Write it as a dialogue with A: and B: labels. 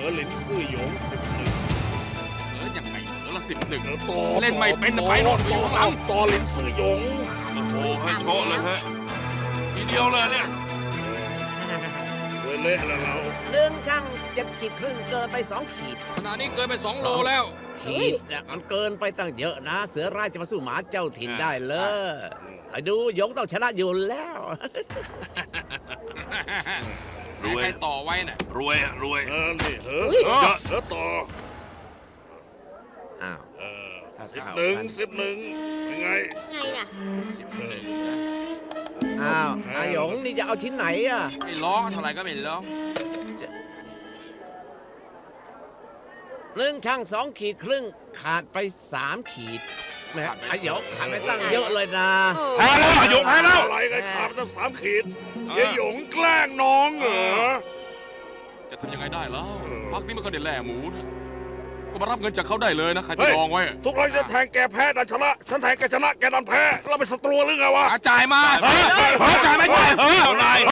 A: อหลินซื่อหยง11
B: ยังไงละ11
A: ต่อ
B: เล่นไม่เป็นไปโน่นไปอยู่ข้างหลัง
A: ต่อหลินซื่อหยง
B: โอ้ให้โชว์เลยฮะทีเดียวเลยเนี่ย
A: เละแล้วเรา
C: เรื่องช่าง7 ขีดครึ่งเกินไป2 ขีด
B: ขณะนี้เกินไป2 โลแล้ว
C: ขีดเนี่ยมันเกินไปตั้งเยอะนะ เสือร้ายจะมาสู้หมาเจ้าถิ่นได้เลยไอ้ดูหยงต้องชนะอยู่แล้ว
B: รวยใครต่อไว้น่ะรวยรวย
A: นี่ต่อ
C: อ้าว
A: 11ยังไง
D: ไงล่ะ
C: อ้าวอาหยงนี่จะเอาชิ้นไหนอ่ะ
B: ไม่ร้องเท่าไหร่ก็ไม่ร้อง
C: เรื่องช่าง2 ขีดครึ่งขาดไป3 ขีดแหม่ไอ้หยงขาดไปตั้งเยอะเลยนะ
A: แพ้แล้วหยงแพ้แล้วอะไรกันขาดตั้ง3 ขีดเยหยงแกล้งน้องเหรอ
B: จะทำยังไงได้แล้วพักนี้ไม่เคยได้แล่หมูนะก็มารับเงินจากเขาได้เลยนะใครจะลองไว้
A: ทุกครั้งจะแทงแกแพ้ดันชนะฉันแทงแกชนะแกดันแพ้เราเป็นศัตรูหรือไงวะ
B: จ่ายมาจ่ายไม่จ่ายนาย